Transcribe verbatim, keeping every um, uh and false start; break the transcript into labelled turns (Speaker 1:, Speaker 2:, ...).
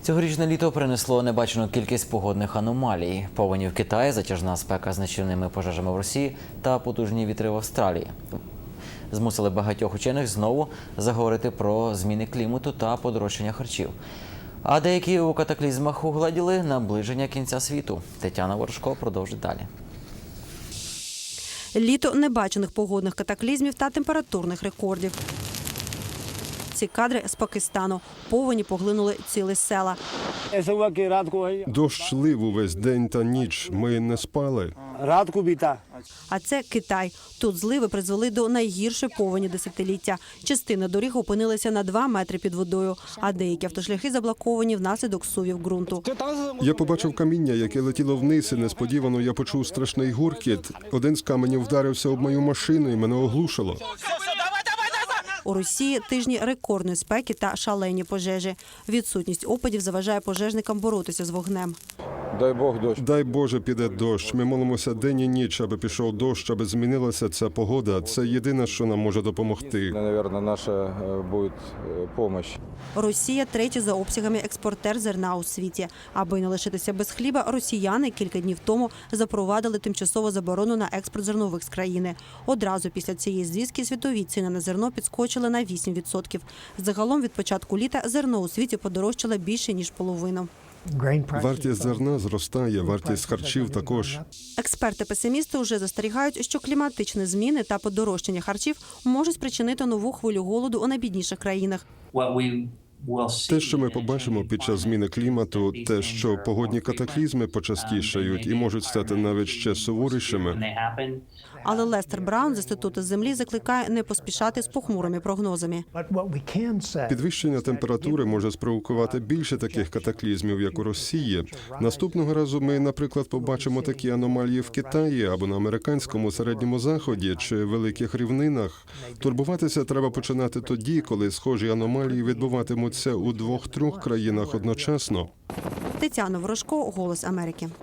Speaker 1: Цьогорічне літо принесло небачену кількість погодних аномалій. Повені в Китаї, затяжна спека з нищівними пожежами в Росії та потужні вітри в Австралії змусили багатьох учених знову заговорити про зміни клімату та подорожчання харчів. А деякі у катаклізмах угладіли наближення кінця світу. Тетяна Ворожко продовжить далі.
Speaker 2: Літо небачених погодних катаклізмів та температурних рекордів. Ці кадри з Пакистану. Повені поглинули цілі села.
Speaker 3: Дощ лив увесь день та ніч. Ми не спали.
Speaker 2: А це Китай. Тут зливи призвели до найгіршої повені десятиліття. Частина доріг опинилася на два метри під водою, а деякі автошляхи заблоковані внаслідок сувів ґрунту.
Speaker 3: Я побачив каміння, яке летіло вниз, і несподівано я почув страшний гуркіт. Один з каменів вдарився об мою машину і мене оглушило.
Speaker 2: У Росії тижні рекордної спеки та шалені пожежі. Відсутність опадів заважає пожежникам боротися з вогнем.
Speaker 4: Дай Бог дощ.
Speaker 3: Дай Боже, піде дощ. Ми молимося день і ніч, аби пішов дощ, аби змінилася ця погода. Це єдине, що нам може допомогти.
Speaker 4: Наверное, наша буде допомога.
Speaker 2: Росія – третій за обсягами експортер зерна у світі. Аби не лишитися без хліба, росіяни кілька днів тому запровадили тимчасову заборону на експорт зернових з країни. Одразу після цієї звістки світові ціни на зерно підскочили на вісім відсотків. Загалом від початку літа зерно у світі подорожчало більше, ніж половину.
Speaker 3: Вартість зерна зростає, вартість харчів також.
Speaker 2: Експерти-песимісти вже застерігають, що кліматичні зміни та подорожчання харчів можуть спричинити нову хвилю голоду у найбідніших країнах.
Speaker 3: Те, що ми побачимо під час зміни клімату, те, що погодні катаклізми почастішають і можуть стати навіть ще суворішими.
Speaker 2: Але Лестер Браун з Інституту землі закликає не поспішати з похмурими прогнозами.
Speaker 3: Підвищення температури може спровокувати більше таких катаклізмів, як у Росії. Наступного разу ми, наприклад, побачимо такі аномалії в Китаї або на американському середньому заході чи великих рівнинах. Турбуватися треба починати тоді, коли схожі аномалії відбуватимуться у двох-трьох країнах одночасно.
Speaker 2: Тетяна Ворожко, «Голос Америки».